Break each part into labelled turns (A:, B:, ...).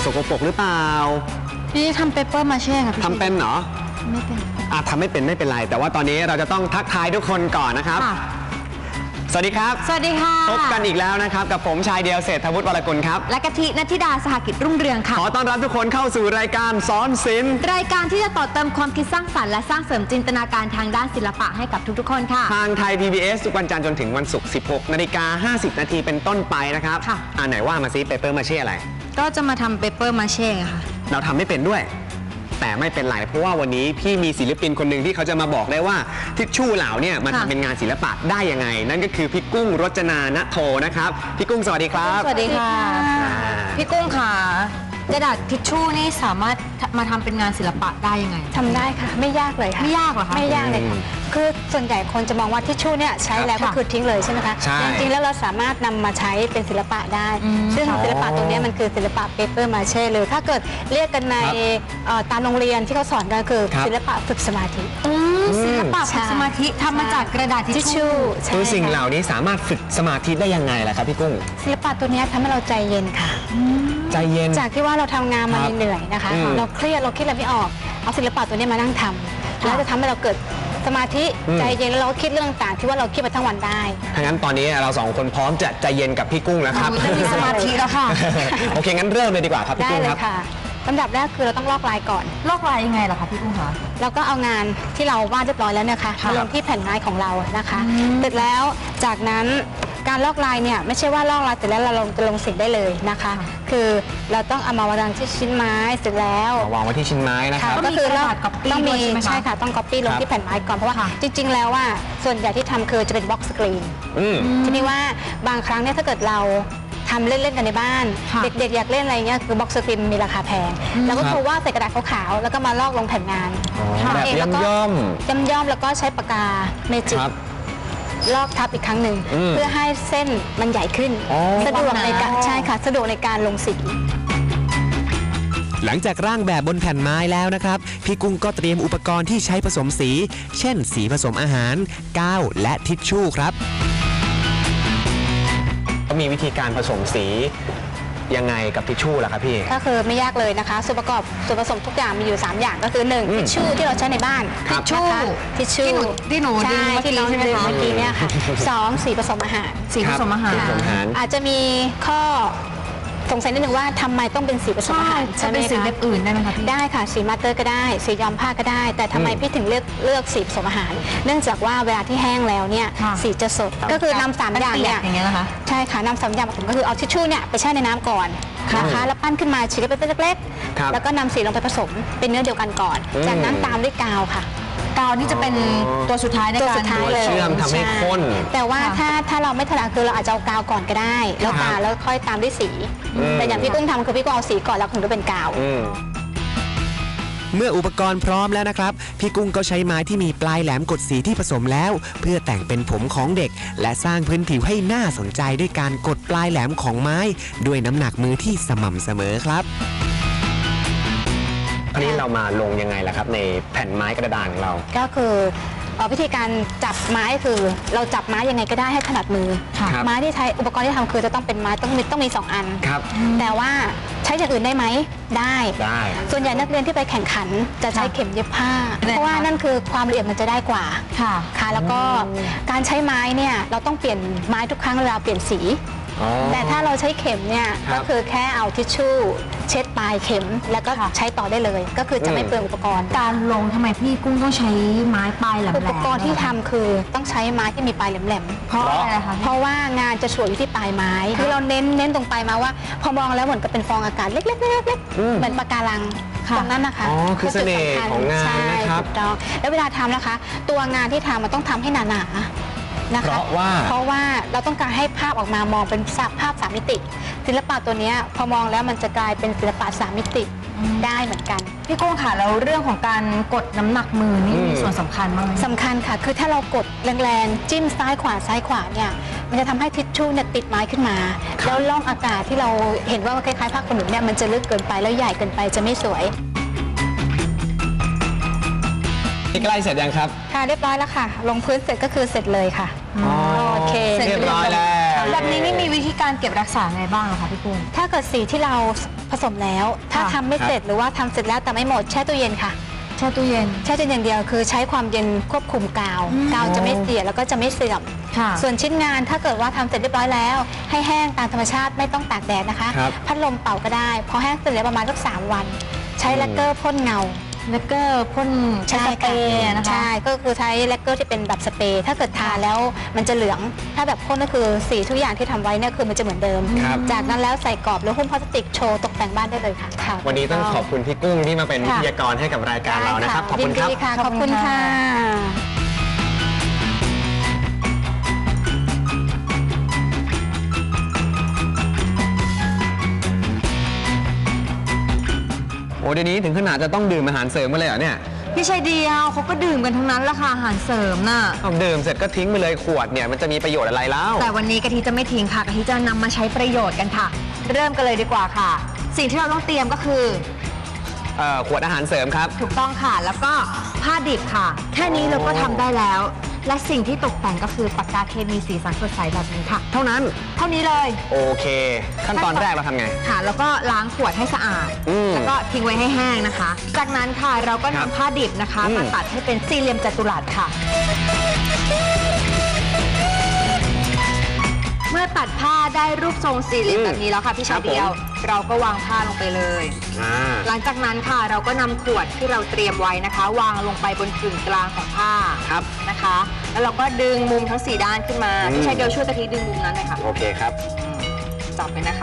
A: กปรกหรือเปล่า
B: นี่ทำเปเปอร์มาเช่ค่ะพี่
A: ทำเป็นเหรอ
B: ไม่เป็น
A: ทำไม่เป็นไม่เป็นไรแต่ว่าตอนนี้เราจะต้องทักทายทุกคนก่อนนะครับสวัสดีครับ
B: สวัสดีค่ะ
A: พบกันอีกแล้วนะครับกับผมชายเดียวเศรษฐวุฒิวรกุลครับ
B: และกะทิณัฐิดาสหกิจรุ่งเรืองค่ะ
A: ขอต้อนรับทุกคนเข้าสู่รายการสอนศิลป์
B: รายการที่จะต่อเติมความคิดสร้างสรรค์และสร้างเสริมจินตนาการทางด้านศิลปะให้กับทุกๆคนค่ะ
A: ทางไทย PBS ทุกวันจันทร์จนถึงวันศุกร์ 16:50 น.เป็นต้นไปนะครับไหนว่ามาซิเปเปอร์มาเช่อะไร
B: ก็จะมาทำเปเปอร์มาเช่ค่ะ
A: เราทำไม่เป็นด้วยแต่ไม่เป็นไรเพราะว่าวันนี้พี่มีศิลปินคนหนึ่งที่เขาจะมาบอกได้ว่าทิชชู่เหล่าเนี่ยมันทำเป็นงานศิลปะได้ยังไงนั่นก็คือพี่กุ้งรจนาณโทนะครับพี่กุ้งสวัสดีครับ
B: สวัสดีค่ะพี่กุ้งค่ะกระดาษทิชชู่นี่สามารถมาทำเป็นงานศิลปะได้ยังไง
C: ทำได้ค่ะไม่ยากเลยค่ะ
B: ไม่ยากหรอคะ
C: ไม่ยากเลยค่ะคือส่วนใหญ่คนจะมองว่าทิชชู่เนี่ยใช้แล้วก็คือทิ้งเลยใช่ไหมคะจริงๆแล้วเราสามารถนำมาใช้เป็นศิลปะได้ซึ่งศิลปะตัวนี้มันคือศิลปะเปเปอร์มาเช่เลยถ้าเกิดเรียกกันในตามโรงเรียนที่เขาสอนกันคือศิลปะฝึกสมาธิ
B: ศิลปะฝึกสมาธิทำมาจากกระดาษทิชชู่
A: คือสิ่งเหล่านี้สามารถฝึกสมาธิได้ยังไงล่ะครับพี่กุ้ง
C: ศิลปะตัวนี้ทำให้เราใจเย็นค่ะ
A: ใจเย็น
C: จากที่ว่าเราทำงานมาเหนื่อยนะคะเราเครียดเราคิดอะไรไม่ออกเอาศิลปะตัวนี้มานั่งทำแล้วจะทำให้เราเกิดสมาธิใจเย็นแล้วเราก็คิดเรื่องต่างๆที่ว่าเราคิดมาทั้งวันได้
A: ถ้างั้นตอนนี้เราสองคนพร้อมจะใจเย็นกับพี่กุ้งแล้วครับ
B: จะมีสมาธิแล้วค่ะ
A: โอเคงั้นเริ่มเลยดีกว่าครับพี่กุ้งครับ
C: ได้เลยค่ะลำดับแรกคือเราต้องลอกลายก่อน
B: ลอกลายยังไงล่ะคะพี่กุ้งคะ
C: เราก็เอางานที่เราวาดเรียบร้อยแล้วเนี่ยค่ะมาลงที่แผ่นไม้ของเรานะคะเสร็จแล้วจากนั้นการลอกลายเนี่ยไม่ใช่ว่าลอกลายเสร็จแล้วเราจะลงสีได้เลยนะคะคือเราต้องเอามาวางที่ชิ้นไม้เสร็จแล้ว
A: วางไว้ที่ชิ้นไม้นะครับ
C: ก็คือเราต้องมีใช่ค่ะต้องก๊อปปี้ลงที่แผ่นไม้ก่อนเพราะว่าจริงๆแล้วว่าส่วนใหญ่ที่ทำคือจะเป็นบล็อกสกรีนทีนี้ว่าบางครั้งเนี่ยถ้าเกิดเราทำเล่นๆกันในบ้านเด็กๆอยากเล่นอะไรเงี้ยคือบล็อกสกรีนมีราคาแพงแล้วก็คือว่าใส่กระดาษขาวๆแล้วก็มาลอกลงแผ่นงาน
A: แบบย่อม
C: แล้วก็ใช้ปากกาเมจิกลอกทับอีกครั้งหนึ่งเพื่อให้เส้นมันใหญ่ขึ้นสะดวกในการใช่ค่ะสะดวกในการลงสี
D: หลังจากร่างแบบบนแผ่นไม้แล้วนะครับพี่กุ้งก็เตรียมอุปกรณ์ที่ใช้ผสมสีเช่นสีผสมอาหารกาวและทิชชู่ครับ
A: มีวิธีการผสมสียังไงกับทิชชู่ล่ะครับพี่
C: ก็คือไม่ยากเลยนะคะส่วนประกอบส่วนผสมทุกอย่างมีอยู่3อย่างก็คือ1ทิชชู่ที่เราใช้ในบ้าน
B: ทิชชู่ที่หนูดึงเมื่อกี้ใช่ไหมคะ
C: เมื่อกี้เนี่ยค่ะ2สีผสมอาหาร
B: สีผสมอาหาร
C: อาจจะมีข้อสงสัยนิดนึงว่าทำไมต้องเป็นสีผสมอาหาร
B: จะเป็นสีแบบอื่นได้ไหมคะพี่
C: ได้ค่ะสีมาสเตอร์ก็ได้สีย้อมผ้าก็ได้แต่ทำไมพี่ถึงเลือกสีผสมอาหารเนื่องจากว่าเวลาที่แห้งแล้วเนี่ยสีจะสดก็คือนำ3อย่างเนี่ยใช่ค่ะนำ3อย่างผมก็คือเอาทิชชู่เนี่ยไปแช่ในน้ำก่อนนะคะแล้วปั้นขึ้นมาฉีกเป็นเล็กๆแล้วก็นำสีลงไปผสมเป็นเนื้อเดียวกันก่อนจากนั้นตามด้วยกาวค่ะ
B: กาวนี่จะเป็นตัวสุดท้ายในการ
A: เชื่อมทำให้ข้น
C: แต่ว่าถ้าเราไม่ถนัดคือเราอาจจะเอากาวก่อนก็ได้แล้วกาวแล้วค่อยตามด้วยสีแต่อย่างพี่กุ้งทำคือพี่กุ้งเอาสีก่อนแล้วถึงจะเป็นกาว
D: เมื่ออุปกรณ์พร้อมแล้วนะครับพี่กุ้งก็ใช้ไม้ที่มีปลายแหลมกดสีที่ผสมแล้วเพื่อแต่งเป็นผมของเด็กและสร้างพื้นผิวให้น่าสนใจด้วยการกดปลายแหลมของไม้ด้วยน้ำหนักมือที่สม่ำเสมอครับ
A: อันนี้เรามาลงยังไงล่ะครับในแผ่นไม้กระดานของเรา
C: ก็คือวิธีการจับไม้คือเราจับไม้ยังไงก็ได้ให้ถนัดมือไม้ที่ใช้อุปกรณ์ที่ทำคือจะต้องเป็นไม้ต้องมี2 อันแต่ว่าใช้อย่างอื่นได้ไหมได้ส่วนใหญ่นักเรียนที่ไปแข่งขันจะใช้เข็มเย็บผ้าเพราะว่านั่นคือความละเอียดมันจะได้กว่าค่ะแล้วก็การใช้ไม้เนี่ยเราต้องเปลี่ยนไม้ทุกครั้งเวลาเปลี่ยนสีแต่ถ้าเราใช้เข็มเนี่ยก็คือแค่เอาทิชชู่เช็ดปลายเข็มแล้วก็ใช้ต่อได้เลยก็คือจะไม่เปลืองอุปกรณ์
B: การลงทำไมพี่กุ้งต้องใช้ไม้ปลายแหลม
C: อุปกรณ์ที่ทำคือต้องใช้ไม้ที่มีปลายแหลม
B: เพราะอะไรคะ
C: เพราะว่างานจะสวยอยู่ที่ปลายไม้คือเราเน้นตรงปลายมาว่าพอมองแล้วเหมือนกับเป็นฟองอากาศเล็กๆเหมือนปะการังตรงนั้นนะคะ
A: คือเสน่ห์ของงานนะครับ
C: แล้วเวลาทำนะคะตัวงานที่ทำมันต้องทำให้หนา
A: เพราะ
C: ว่าเราต้องการให้ภาพออกมามองเป็นภาพ3 มิติศิลปะตัวนี้พอมองแล้วมันจะกลายเป็นศิลปะ3 มิติได้เหมือนกัน
B: พี่กุ้งค่ะแล้วเรื่องของการกดน้ำหนักมือนี่มีส่วนสำคัญมาก
C: สำคัญค่ะคือถ้าเรากดแรงๆจิ้มซ้ายขวาเนี่ยมันจะทำให้ทิชชู่เนี่ยติดไม้ขึ้นมาแล้วร่องอากาศที่เราเห็นว่าคล้ายๆผ้าขนหนูเนี่ยมันจะลึกเกินไปแล้วใหญ่เกินไปจะไม่สวย
A: ใกล้เสร็จยังครับ
C: ค่ะเรียบร้อยแล้วค่ะลงพื้นเสร็จก็คือเสร็จเลยค่ะ
A: โอเคเรียบร้อยแล้ว
B: แบบนี้นี่มีวิธีการเก็บรักษาไงบ้างอะคะพี่กุ้ง
C: ถ้าเกิดสีที่เราผสมแล้ว ถ้า
B: ค่ะ
C: ทำไม่เสร็จหรือว่าทำเสร็จแล้วแต่ไม่หมดแช่ตู้เย็นค่ะ
B: แช่ตู้เย็น
C: แช่ตู้เย็นอย่างเดียวคือใช้ความเย็นควบคุมกาว กาวจะไม่เสียแล้วก็จะไม่เสื่อม
B: ค่ะ
C: ส่วนชิ้นงานถ้าเกิดว่าทำเสร็จเรียบร้อยแล้ว ให้แห้งตามธรรมชาติไม่ต้องตากแดดนะคะ
A: ครับ
C: พัดลมเป่าก็ได้พอแห้งเสร็จแล้วประมาณสัก3 วัน ใช้แลกเกอร์พ่นเงา
B: แล้วก็พ่นใช้สเปรย์นะคะ
C: ใช่ก็คือใช้แลกเกอร์ที่เป็นแบบสเปรย์ถ้าเกิดทาแล้วมันจะเหลืองถ้าแบบพ่นก็คือสีทุกอย่างที่ทำไว้เนี่ยคือมันจะเหมือนเดิม
A: ครับ
C: จากนั้นแล้วใส่กรอบหรือหุ้มพลาสติกโชว์ตกแต่งบ้านได้เลยค่ะค่ะ
A: วันนี้ต้องขอบคุณพี่กุ้งที่มาเป็นวิทยากรให้กับรายการเรานะครับ ขอบคุณครับ
C: ยินดีค่ะ ขอบคุณค่ะ
A: โอ้เดี๋ยวนี้ถึงขนาดจะต้องดื่มอาหารเสริมมาเลยเหรอเนี่ย
B: พี่ชายเดียวเขาก็ดื่มกันทั้งนั้นละค่ะอาหารเสริมน่ะ
A: เอาดื่มเสร็จก็ทิ้งไปเลยขวดเนี่ยมันจะมีประโยชน์อะไรแล้ว
B: แต่วันนี้กะทิจะไม่ทิ้งค่ะกะทิจะนำมาใช้ประโยชน์กันค่ะ เริ่มกันเลยดีกว่าค่ะ สิ่งที่เราต้องเตรียมก็คือ
A: ขวดอาหารเสริมครับ
B: ถูกต้องค่ะ แล้วก็ผ้าดิบค่ะ แค่นี้เราก็ทำได้แล้ว และสิ่งที่ตกแต่งก็คือปากกาเคมีสีสันสดใสแบบนี้ค่ะ
A: เท่านั้น
B: เท่านี้เลย
A: โอเค ขั้นตอนแรกเราทำไง
B: ค่ะ แล้วก็ล้างขวดให้สะอาด แล้วก็ทิ้งไว้ให้แห้งนะคะ จากนั้นค่ะเราก็
A: ครับ
B: นำผ้าดิบนะคะมาตัดให้เป็นสี่เหลี่ยมจัตุรัสค่ะ เมื่อตัดผ้าได้รูปทรงสี่เหลี่ยมแบบนี้แล้วค่ะพี่ชายเดียว เราก็วางผ้าลงไปเลย หลังจากนั้นค่ะเราก็นำขวดที่เราเตรียมไว้นะคะ วางลงไปบนกึ่งกลางของผ้า
A: ครับ
B: นะคะ แล้วเราก็ดึงมุมทั้ง4ด้านขึ้นมาพี่ชายเดียวช่วยกะทิดึงมุมนั้นหน่อยค่ะ
A: โอเคครับ
B: จับไปนะคะ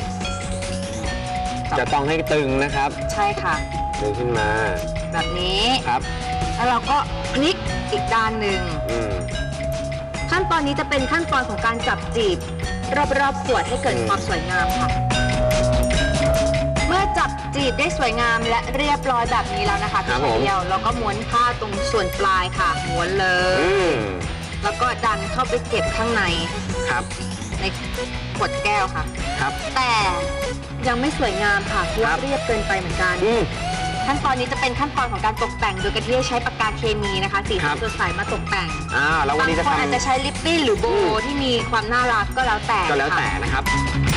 A: จะต้องให้ตึงนะครับ
B: ใช่ค่ะ
A: ดึงขึ้นมา
B: แบบนี้
A: ครับ
B: แล้วเราก็พลิกอีกด้านหนึ่ง
A: อืม
B: ขั้นตอนนี้จะเป็นขั้นตอนของการจับจีบรอบๆขวดให้เกิดความสวยงามค่ะ เมื่อจับจีบได้สวยงามและเรียบร้อยแบบนี้แล้วนะคะ
A: ครับ
B: พี่
A: ผม
B: เดียวเราก็ม้วนผ้าตรงส่วนปลายค่ะม้วนเลย
A: อืม
B: แล้วก็ดันเข้าไปเก็บข้างใน
A: ครับ
B: ในขวดแก้วค่ะ
A: ครับ
B: แต่ยังไม่สวยงามค่ะเพราะ
A: ครั
B: ว่า
A: บ
B: เรียบเกินไปเหมือนกัน
A: อืม
B: ขั้นตอนนี้จะเป็นขั้นตอนของการตกแต่งโดยกะทิใช้ปากกาเคมีนะคะ สี
A: ครั
B: สัน
A: บ
B: สดใสมาตกแต่ง
A: แล้ววันนี้จะ
B: บางคน
A: ทำ
B: อาจจะใช้ลิปบิ้นหรือโบว์ที่มีความน่ารักก็แล้วแต่
A: ก็แล้วแต่
B: ค่ะ
A: นะครับ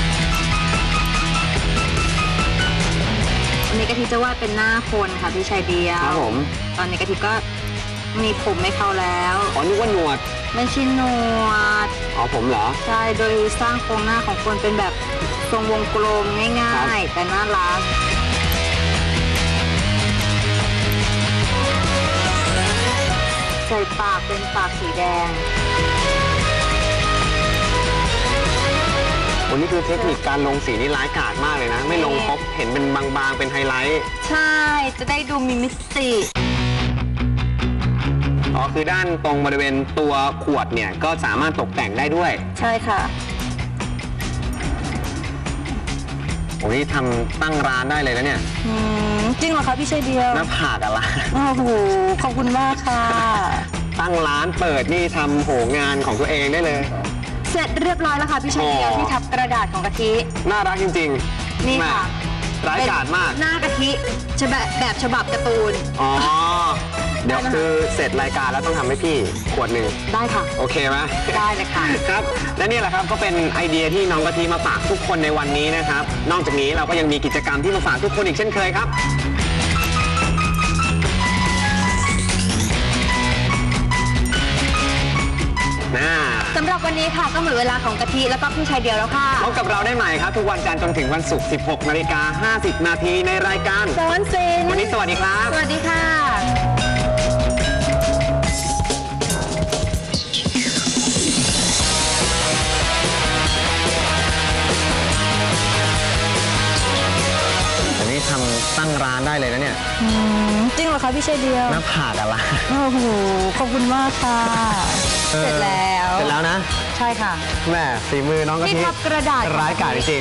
B: วันนี้กะทิจะวาดเป็นหน้าคนค่ะพี่ชายเดียว
A: ครับผม
B: ตอนนี้กะทิก็มีผมให้เขาแล้ว
A: อ๋อนึกว่าหนวด
B: ไม่ใช่หนวด
A: อ๋อผมเหรอ
B: ใช่โดยสร้างโครงหน้าของคนเป็นแบบทรงวงกลมง่ายๆ แต่น่ารัก ใส่ปากเป็นปากสีแดง
A: วันนี้คือเทคนิคการลงสีนี่ร้ายกาจมากเลยนะ ไม่ลงครบเห็นเป็นบางๆ เป็นไฮไลท์
B: ใช่ จะได้ดูมีมิติ
A: อ๋อคือด้านตรงบริเวณตัวขวดเนี่ยก็สามารถตกแต่งได้ด้วย
B: ใช่ค่ะ
A: โอ้ยทำตั้งร้านได้เลยนะเนี่ย
B: จริงเหรอคะพี่ชายเดียว
A: หน้าผากอะไร
B: โอ้โห ขอบคุณมากค่ะ
A: ตั้งร้านเปิดนี่ทำโหงานของตัวเองได้เลย
B: เสร็จเรียบร้อยแล้วค่ะพี่ชายเดียว
A: อ๋อ
B: ที่ทับกระดาษของกะทิ
A: น่ารักจริงๆ
B: นี่ค่ะ
A: แม่ร้ายกาจมาก
B: หน้ากะทิแบบฉบับการ์ตูน
A: อ๋อ เดี๋ยวคือเสร็จรายการแล้วต้องทำให้พี่ขวดหนึ่ง
B: ได้ค่ะ
A: โอเคไหม
B: ได้เลยค่ะ
A: ครับ และนี่แหละครับก็เป็นไอเดียที่น้องกะทิมาฝากทุกคนในวันนี้นะครับ นอกจากนี้เราก็ยังมีกิจกรรมที่มาฝากทุกคนอีกเช่นเคยครับ
B: สำหรับวันนี้ค่ะก็หมดเวลาของกะทิแล้วก็พี่ชายเดียวแล้วค่ะ
A: พบกับเราได้ใหม่ครับ ทุกวันจันทร์จนถึงวันศุกร์ 16:50 นาทีในรายการ
B: สอนศิลป์
A: วันนี้สวัสดีครับ
B: สวัสดีค่ะ
A: วันนี้ทำตั้งร้านได้เลยนะเนี่ย
B: จริงเหรอคะพี่ชายเดียว
A: หน้าผากอะไร
B: โอ้โห ขอบคุณมากค่ะ เสร็จแล้ว
A: เสร็จแล้วนะ
B: ใช่ค่ะ
A: แม่ฝีมือน้องกะ
B: ที่
A: ทิ
B: ทับกระดาษ
A: ร้ายกาจจริง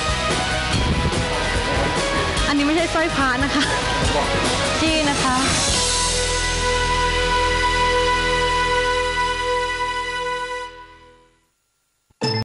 B: อันนี้ไม่ใช่สร้อยพระนะคะจี้นะคะ